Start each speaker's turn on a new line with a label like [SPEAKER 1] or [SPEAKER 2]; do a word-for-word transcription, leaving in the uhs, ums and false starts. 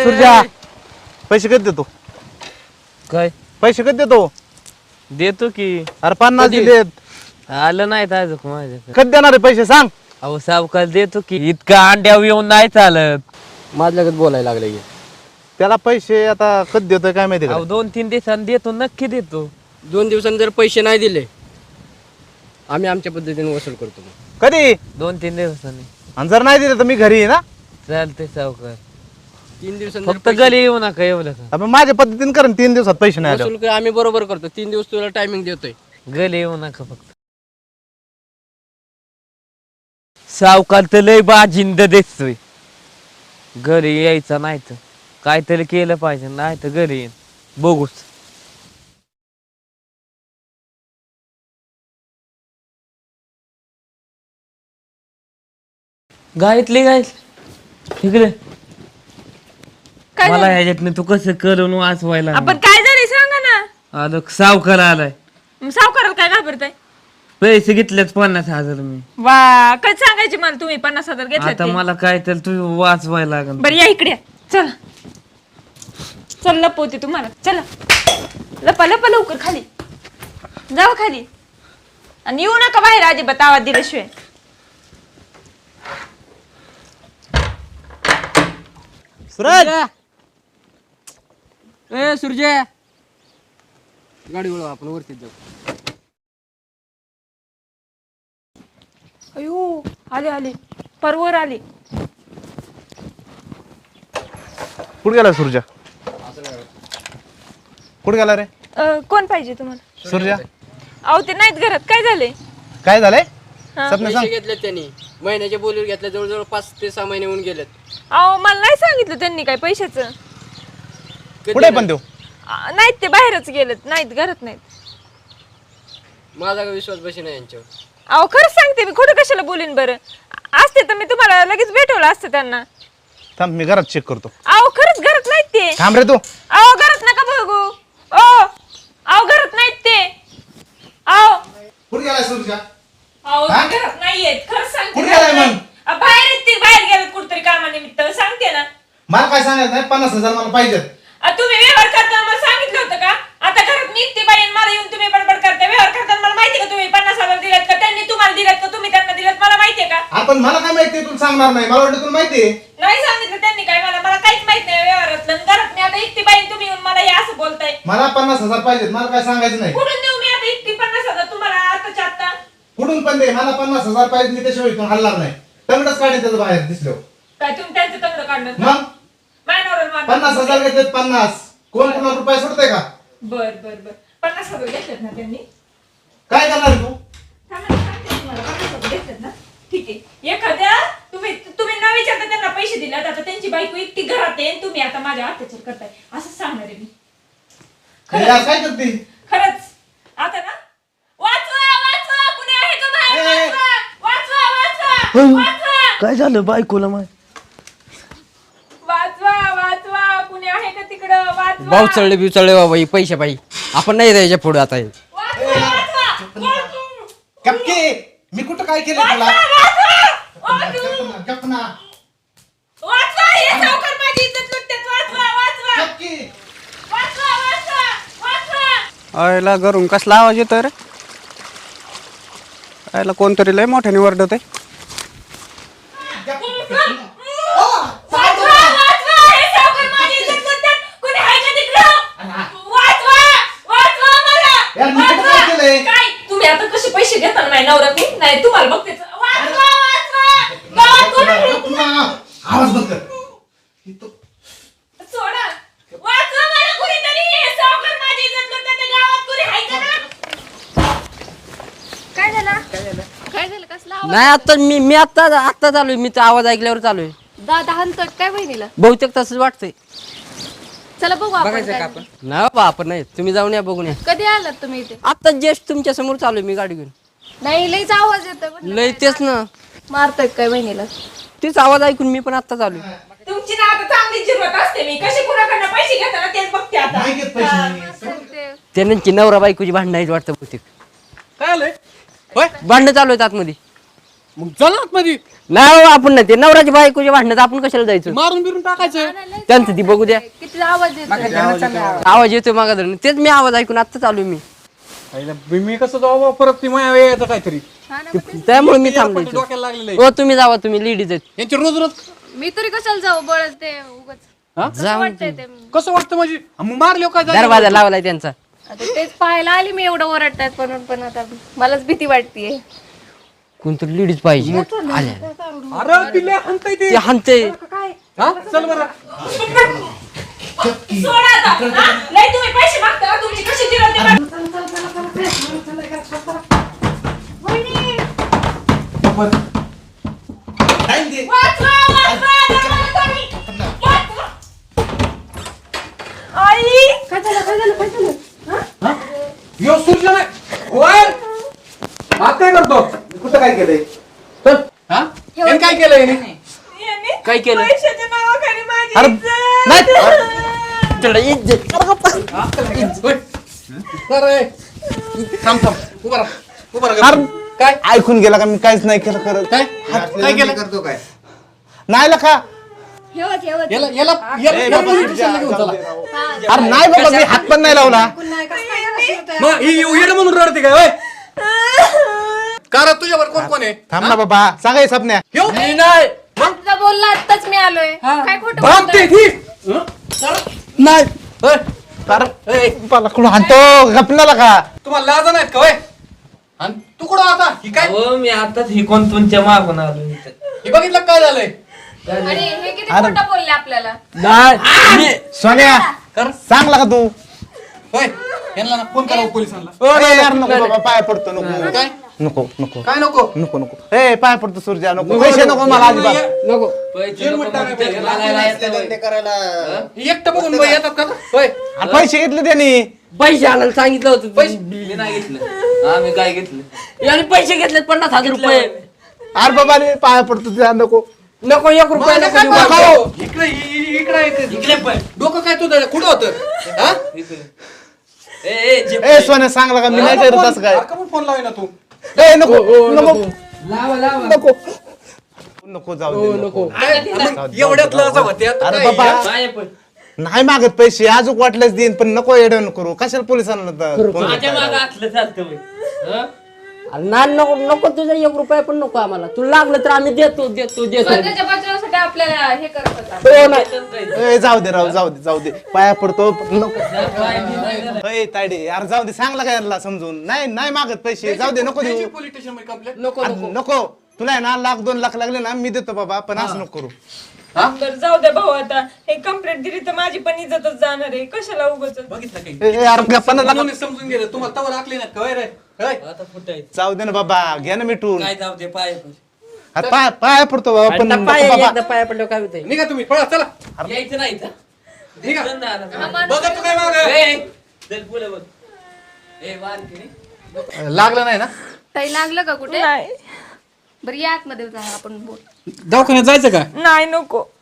[SPEAKER 1] सुरजा पैसे कधी देतो
[SPEAKER 2] काय
[SPEAKER 1] पैसे कधी देतो
[SPEAKER 2] देतो की
[SPEAKER 1] अरे पन्नास
[SPEAKER 2] कधी?
[SPEAKER 1] दिलेत
[SPEAKER 2] आलं नाही ताज माझ्याकडे
[SPEAKER 1] कधी देणार आहे पैसे सांग
[SPEAKER 2] अहो सावकार देतो की इतका अंड्यावर येऊन नाही चालत
[SPEAKER 3] माझ्या लगत बोलायला लागले
[SPEAKER 1] त्याला पैसे आता कधी देतोय काय माहिती का
[SPEAKER 2] अहो दोन तीन दिवसांनी देतो नक्की देतो
[SPEAKER 3] दोन दिवसांनी जर पैसे नाही दिले आम्ही आमच्या पद्धतीने वसूल करतो मग.
[SPEAKER 1] कधी
[SPEAKER 2] दोन तीन दिवसांनी
[SPEAKER 1] आणि जर नाही दिले तर मी घरी आहे ना
[SPEAKER 2] चालते सावकार
[SPEAKER 3] तीन दिवसांनी जर
[SPEAKER 2] फक्त
[SPEAKER 3] पैसे
[SPEAKER 2] गली येऊ नका एवढं का
[SPEAKER 1] आपण माझ्या पद्धतीने करेन तीन दिवसात पैसे नाही आले
[SPEAKER 3] वसूल कर, आम्ही बरोबर करतो. तीन दिवस तुला टायमिंग देतोय.
[SPEAKER 2] गली येऊ नका फक्त सावकार तर लय बाजिंद दिसतोय घरी यायचं नाही तर काहीतरी केलं पाहिजे नाही तर घरी येईन बघूच गायतली गायतली इकडे
[SPEAKER 4] काय
[SPEAKER 2] मला
[SPEAKER 4] झालं?
[SPEAKER 2] ह्याच्यातनं तू कसं करून वाचवायला
[SPEAKER 4] आपण काय झाले सांगा ना.
[SPEAKER 2] आलो सावकार आलाय
[SPEAKER 4] मग सावकाराला काय घाबरताय?
[SPEAKER 2] पैसे घेतलेच पन्नास हजार मी
[SPEAKER 4] वा काय सांगायचे मला तुम्ही पन्नास हजार
[SPEAKER 2] आता
[SPEAKER 4] घेतले
[SPEAKER 2] मला काय तर तू वाचवायला लागल
[SPEAKER 4] बरं या इकडे या. चला चल लपवते तुम्हाला चला लपा लपा लवकर खाली जावा खाली आणि येऊ नका बाहेर अजिबात आवाज दिल्याशिवाय.
[SPEAKER 1] सुरज
[SPEAKER 3] ए सूर्य गाडी वळव आपण वरतीच जाऊ.
[SPEAKER 4] अयो आले आले परवर आले.
[SPEAKER 1] कुठे गेला सुरजा कुठे गेला रे
[SPEAKER 4] अं, कोण पाहिजे तुम्हाला?
[SPEAKER 1] सुरजा
[SPEAKER 4] अहो ते नाहीत घरात काय झाले?
[SPEAKER 1] काय झालंय
[SPEAKER 4] हा.
[SPEAKER 1] सपने
[SPEAKER 3] पैसे
[SPEAKER 1] सांग
[SPEAKER 3] घेतले त्यांनी महिन्याच्या बोलीवर घेतल्या जवळजवळ पाच ते सहा महिने होऊन गेलेत.
[SPEAKER 4] अहो मला नाही सांगितलं त्यांनी काय पैशाचं.
[SPEAKER 3] कधी
[SPEAKER 1] कुठे पण
[SPEAKER 3] नाही.
[SPEAKER 1] देऊ
[SPEAKER 4] अं, नाहीत ते बाहेरच गेलेत नाहीत घरात नाहीत.
[SPEAKER 3] माझा काही विश्वास बशी नाही यांच्यावर.
[SPEAKER 4] अहो खरंच सांगते मी खोटं कशाला बोलीन बरं. असते तर मी तुम्हाला लगेच भेटवलं असतं त्यांना.
[SPEAKER 1] थांब मी घरात चेक करतो
[SPEAKER 4] अहो खरंच घरात नाहीत ते.
[SPEAKER 1] थांब रे तू
[SPEAKER 4] अहो घरात नका बघू. ओ अहो घरात नाहीत ते. अहो
[SPEAKER 1] कुठे गेला सुरजा
[SPEAKER 4] अहो
[SPEAKER 1] हा?
[SPEAKER 4] ते घरात नाहीयेत खरंच सांगते.
[SPEAKER 1] कुठे गेलाय मग?
[SPEAKER 4] अ, बाहेर आहेत ते बाहेर गेलेत कुठतरी कामानिमित्त सांगते ना.
[SPEAKER 1] मला काय सांगायचं नाही पन्नास हजार मला पाहिजेत
[SPEAKER 4] अ, तुम्ही व्यवहार करताना मला सांगितलं होतं का? आता घरात मी एकटी बाई आणि मला येऊन तुम्ही बडबड करता. व्यवहार करताना मला माहिती का तुम्ही पन्नास हजार दिलेत का त्यांनी तुम्हाला दिलेत का तुम्ही त्यांना दिलेत मला माहितीये का?
[SPEAKER 1] आपण मला काय माहिती तुला सांगणार नाही मला वाटतं तुला माहिती
[SPEAKER 4] नाही सांगितलं त्यांनी काय मला मला काहीच माहित नाही व्यवहारातलं. आणि घरात मी आता एकटी बाई तुम्ही येऊन मला हे असं बोलताय.
[SPEAKER 1] मला पन्नास हजार पाहिजेत मला काय सांगायचं नाही
[SPEAKER 4] कुठून देऊ मी आता एकटी पन्नास हजार तुम्हाला आताच्या आता?
[SPEAKER 1] कुठून पण दे मला पन्नास हजार पाहिजे मी त्याशिवाय इथून हलणार नाही तंगडच काढेल त्याचं बाहेर दिसलो
[SPEAKER 4] काय तुम्ही त्यांचं तंगड काढणार का?
[SPEAKER 1] मग
[SPEAKER 4] मायनवरून मारणार.
[SPEAKER 1] पन्नास हजार घेतलेत पन्नास कोण कोणाला रुपये सोडतंय का
[SPEAKER 4] बर बर बर पन्नास हजार घेतलेत ना त्यांनी?
[SPEAKER 1] काय करणार तू
[SPEAKER 4] थांबा, सांगते तुम्हाला, पन्नास हजार घेतलेत ना? ठीक आहे. एखाद्या तुम्ही तुम्ही न विचारता त्यांना पैसे दिले आता त्यांची बायको एकटी घरात आहे आणि तुम्ही आता माझ्या अत्याचार करताय असं सांगणार आहे मी.
[SPEAKER 1] हे यार काय करते
[SPEAKER 4] खरंच आता ना वाचवा वाचवा कुणी आहे का बाहेर?
[SPEAKER 1] ए, ए.
[SPEAKER 4] वाचवा वाचवा वाचवा वाचवा
[SPEAKER 2] काय झालं बायकोला माय
[SPEAKER 4] वाचवा वाचवा कुणी आहे का तिकडं? वाचवा
[SPEAKER 3] भाऊ चढले बिव चढले बाबा ही पैसे पाहिजे आपण नाही द्यायच्या पुढे आता हे.
[SPEAKER 4] वाचवा वाचवा
[SPEAKER 1] कपके मी कुठं काय केलं तुला
[SPEAKER 4] वाचवा वाचवा
[SPEAKER 1] कपना
[SPEAKER 4] वाचवा हे सावकार माझी इज्जत लुटतात. वाचवा वाचवा
[SPEAKER 1] कपकी
[SPEAKER 4] वाचवा वाचवा वाचवा
[SPEAKER 5] आयला घरून कसला आवाज येतोय रे आयला कोणतरी लय मोठ्याने वरडत आहे
[SPEAKER 4] वाचवा वाचवा हे सावकार माझी इज्जत लुटतात. कुणी आहे का तिकडं? वाचवा वाचवा
[SPEAKER 1] यार, मी
[SPEAKER 4] मला
[SPEAKER 1] कुठं काय
[SPEAKER 4] वाचवा
[SPEAKER 1] केलंय?
[SPEAKER 4] काय तुम्ही आता कसे पैसे घेता नाही नवऱ्यातून? नाही तुम्हाला बघतेच. वाचवा वाचवा गावात कोण आहे?
[SPEAKER 1] कपना आवाज बंद कर इथं
[SPEAKER 4] सोडा वाचवा मला कुणीतरी. हे सावकार माझी इज्जत लुटतात. त्या गावात कुणी आहे का ना? काय झालं काय झालं कसला आवाज?
[SPEAKER 3] नाही आता मी मी आता आता चालू आहे मी तो आवाज ऐकल्यावर चालू आहे.
[SPEAKER 6] दादा हनतट काय बहिणीला?
[SPEAKER 3] बहुतेक तसंच वाटतंय.
[SPEAKER 6] चला बघू आपण
[SPEAKER 3] बघायचं
[SPEAKER 6] काय
[SPEAKER 3] का आपण नाही बाबा आपण नाही तुम्ही जाऊन या बघून या.
[SPEAKER 6] कधी आलात तुम्ही इथे?
[SPEAKER 3] आता जस्ट तुमच्या समोर चालू आहे मी गाडी घेऊन.
[SPEAKER 6] नाही लईच आवाज येतोय म्हटलं.
[SPEAKER 3] लय तेच ना
[SPEAKER 6] मारतायत काय बहिणीला?
[SPEAKER 3] तेच आवाज ऐकून मी पण आता चालू आहे.
[SPEAKER 4] तुमची ना आता चांगली जिरवत असते मी. कशी कुणाकडनं पैसे घेताना तेच बघते आता.
[SPEAKER 1] नाही घेत पैसे मी.
[SPEAKER 6] ते
[SPEAKER 3] त्यांची नवरा बायकोची भांडणं आहेत वाटतं बहुतेक
[SPEAKER 5] काय आलंय होय
[SPEAKER 3] भांडणं चालू आहेत आतमध्ये.
[SPEAKER 7] मग चला आतमध्ये.
[SPEAKER 3] नाही हो, आपण नाही ते नवराची बायकोची भांडणात आपण कशाला जायचं.
[SPEAKER 7] मारून बिरून टाकायचं.
[SPEAKER 3] त्यांचं ती बघू द्या.
[SPEAKER 6] किती आवाज येतो.
[SPEAKER 3] आवाज येतोय मागा धरून तेच मी आवाज ऐकून आता चालू मी.
[SPEAKER 7] पहिला मी कसं जाऊ बा, परत ती माया यायचं काहीतरी.
[SPEAKER 3] त्यामुळे मी थांबलो
[SPEAKER 7] आपण
[SPEAKER 3] इथं.
[SPEAKER 7] डोक्याला लागलेलं आहे.
[SPEAKER 3] हो तुम्ही जावा तुम्ही लेडीज आहेत.
[SPEAKER 7] यांचे रोज रोज
[SPEAKER 6] मी तरी कशाला जाऊ बळच ते उगाच
[SPEAKER 3] जा
[SPEAKER 6] वाटतंय ते.
[SPEAKER 7] कसं वाटतं म्हणजे मग मारले काय झालं?
[SPEAKER 3] दरवाजा लावलाय त्यांचा.
[SPEAKER 6] आता तेच पाहायला आली मी एवढं ओरडतायत म्हणून पण आता मलाच भीती वाटतेय.
[SPEAKER 3] कोणतरी लेडीज पाहिजे आल्या.
[SPEAKER 7] अरे पिल्ले हाणताय ते.
[SPEAKER 3] ते हाणते.
[SPEAKER 7] हा चल बरं.
[SPEAKER 4] सोडा आता. हा? लय तुम्ही पैसे मागता का? तुमची कशी जिरवते बघ.
[SPEAKER 1] टाइम दे.
[SPEAKER 4] वाचवा, वाचवा, दरवाजा तोडी. वाचवा. आई
[SPEAKER 7] यो सूर्य नाही. ओय हात काय करतो?
[SPEAKER 1] कुठं काय केलंय?
[SPEAKER 7] चल. हा याने काय केलं याने?
[SPEAKER 4] यांनी
[SPEAKER 3] काय केलं?
[SPEAKER 4] पैशाच्या नावाखाली माझी
[SPEAKER 3] अरे
[SPEAKER 4] इज्जत.
[SPEAKER 3] नाही तुला इज्जत.
[SPEAKER 7] होय. अरे थांब थांब उभा राहा. उभा राहा. काय
[SPEAKER 1] ऐकून गेला का मी काहीच नाही केलं करत.
[SPEAKER 7] काय काय केलं?
[SPEAKER 1] करतो काय नाही लका.
[SPEAKER 6] ठेवत ठेवत
[SPEAKER 7] याला याला याला- याला पोलीस स्टेशनला घेऊन चला.
[SPEAKER 1] अरे नाही बाबा मी हात पण नाही लावला.
[SPEAKER 7] मग ही येडं म्हणून रडते काय होय? कारण तुझ्यावर कोण कोण आहे?
[SPEAKER 1] थांब ना बाबा सांगाय सपन्या.
[SPEAKER 7] ह्यो?
[SPEAKER 3] नाही
[SPEAKER 6] तुझा बोलला आत्ताच मी आलोय काय खोटं
[SPEAKER 7] भामटे
[SPEAKER 6] बोलतोय?
[SPEAKER 7] ठीक. हं?
[SPEAKER 1] नाही
[SPEAKER 7] होय.
[SPEAKER 1] अरे मला कुठं हाणतो गपनाला का?
[SPEAKER 7] तुम्हाला लाज नाहीत का होय? आणि तू कुठं आता ही काय
[SPEAKER 2] हो मी आताच ही कोण तुमच्या मागून आलो इथं.
[SPEAKER 7] ही बघितलं काय झालंय?
[SPEAKER 6] आणि हे किती खोटं बोलले आपल्याला.
[SPEAKER 3] नाही
[SPEAKER 1] सोन्या
[SPEAKER 7] कर
[SPEAKER 1] सांगला का तू?
[SPEAKER 7] होय यांना ना फोन करा पोलिसांना.
[SPEAKER 1] अरे यार नको बाबा पाय पडतो नको.
[SPEAKER 7] काय
[SPEAKER 1] नको नको
[SPEAKER 7] काय नको?
[SPEAKER 1] नको नको ए पाय पडतो सूर्या नको पैसे नको मला अजिबात.
[SPEAKER 3] नको.
[SPEAKER 2] पैसे नको म्हणते, मला येतं होय.
[SPEAKER 7] ही एकटं बघून बाई येतात का होय?
[SPEAKER 1] अरे पैसे घेतले त्यांनी.
[SPEAKER 3] पैसे आणायला सांगितलं होतं पैसे.
[SPEAKER 2] मी नाही घेतलं. आम्ही काय घेतलं?
[SPEAKER 3] याने पैसे घेतलेत पन्नास हजार रुपये.
[SPEAKER 1] अरे बाबा रे पाय पडतो तुझ्या नको.
[SPEAKER 3] नको एक रुपया
[SPEAKER 7] मला
[SPEAKER 3] नको
[SPEAKER 7] काय
[SPEAKER 3] देऊ.
[SPEAKER 7] पाहिजे? इकडे इ- इ- इकडे इकडे.
[SPEAKER 2] इकडे पण.
[SPEAKER 7] डोकं काय तुझं कुठं होतं? हा?
[SPEAKER 2] इकडे. ए, ए, जे-
[SPEAKER 1] ए सोन्या सांगला का मी नाही करत असं काय.
[SPEAKER 7] अरे का मग फोन लावे ना तू?
[SPEAKER 1] ए नको नको
[SPEAKER 3] लावा लावा.
[SPEAKER 1] नको नको जाऊ दे नको.
[SPEAKER 7] काय? मग एवढ्यात लाज होते आता
[SPEAKER 1] अरे
[SPEAKER 7] काय?
[SPEAKER 1] बाबा
[SPEAKER 2] पाय पण.
[SPEAKER 1] नाही मागत पैसे अजून वाटलेच देईन पण नको येडं करू कशाला पोलिसांना तर फोन
[SPEAKER 2] माझ्या
[SPEAKER 1] करताय?
[SPEAKER 2] मागं असलं चालतं होय. हं?
[SPEAKER 3] अरे ना नको नको तुझा एक रुपया पण नको आम्हाला. तुला लागलं तर आम्ही देतो देतो देतो.
[SPEAKER 6] स्वतःच्या बचावासाठी आपल्याला हे करत होता.
[SPEAKER 3] हो नाही.
[SPEAKER 1] ए जाऊ दे राव जाऊ दे जाऊ दे पाया पडतो पण नको.
[SPEAKER 2] पाय मी नाही करत.
[SPEAKER 1] ए तायडे यार जाऊ दे सांगला काय याला समजून नाही नाही मागत पैसे जाऊ दे नको देऊ.
[SPEAKER 7] त्याची पोलीस स्टेशन मध्ये कंप्लेंट.
[SPEAKER 3] नको
[SPEAKER 1] अरे
[SPEAKER 3] नको.
[SPEAKER 1] नको तुला आहे ना लाख दोन लाख लागले ना मी देतो बाबा पण असं नको करू.
[SPEAKER 4] बरं जाऊ द्या भाऊ आता हे कंप्लेंट दिली तर माझी पण इज्जतच जाणार आहे कशाला उगाच.
[SPEAKER 7] बघितलं काही?
[SPEAKER 1] ए, ए, यार गप्पानं लाग-
[SPEAKER 7] म्हणून समजून गेलं तुम्हाला तवर आखली ना काय रे? होय?
[SPEAKER 2] आता फुटायचं.
[SPEAKER 1] जाऊ दे ना बाबा घ्या ना मिटून.
[SPEAKER 2] काय जाऊ दे पाय पण.
[SPEAKER 1] अरे पाय पाया पडतो बाबा पण
[SPEAKER 3] आता
[SPEAKER 1] नको
[SPEAKER 3] पाय
[SPEAKER 1] बाबा.
[SPEAKER 3] एकदा पाया पडल्यावर काय होतंय.
[SPEAKER 7] निघा तुम्ही पळा चला.
[SPEAKER 2] यायचं नाही इथं.
[SPEAKER 7] निघा.
[SPEAKER 2] चल ना आता.
[SPEAKER 7] बघा तू काय मागं.
[SPEAKER 2] ए, चल पुढे बघ. ए वार की
[SPEAKER 7] लागलं नाही ना?
[SPEAKER 6] ताई लागलं का कुठे
[SPEAKER 4] नाही
[SPEAKER 6] बरं या आतमध्ये जाऊ आपण बोल.
[SPEAKER 7] दवाखान्यात जायचं का?
[SPEAKER 4] नाही नको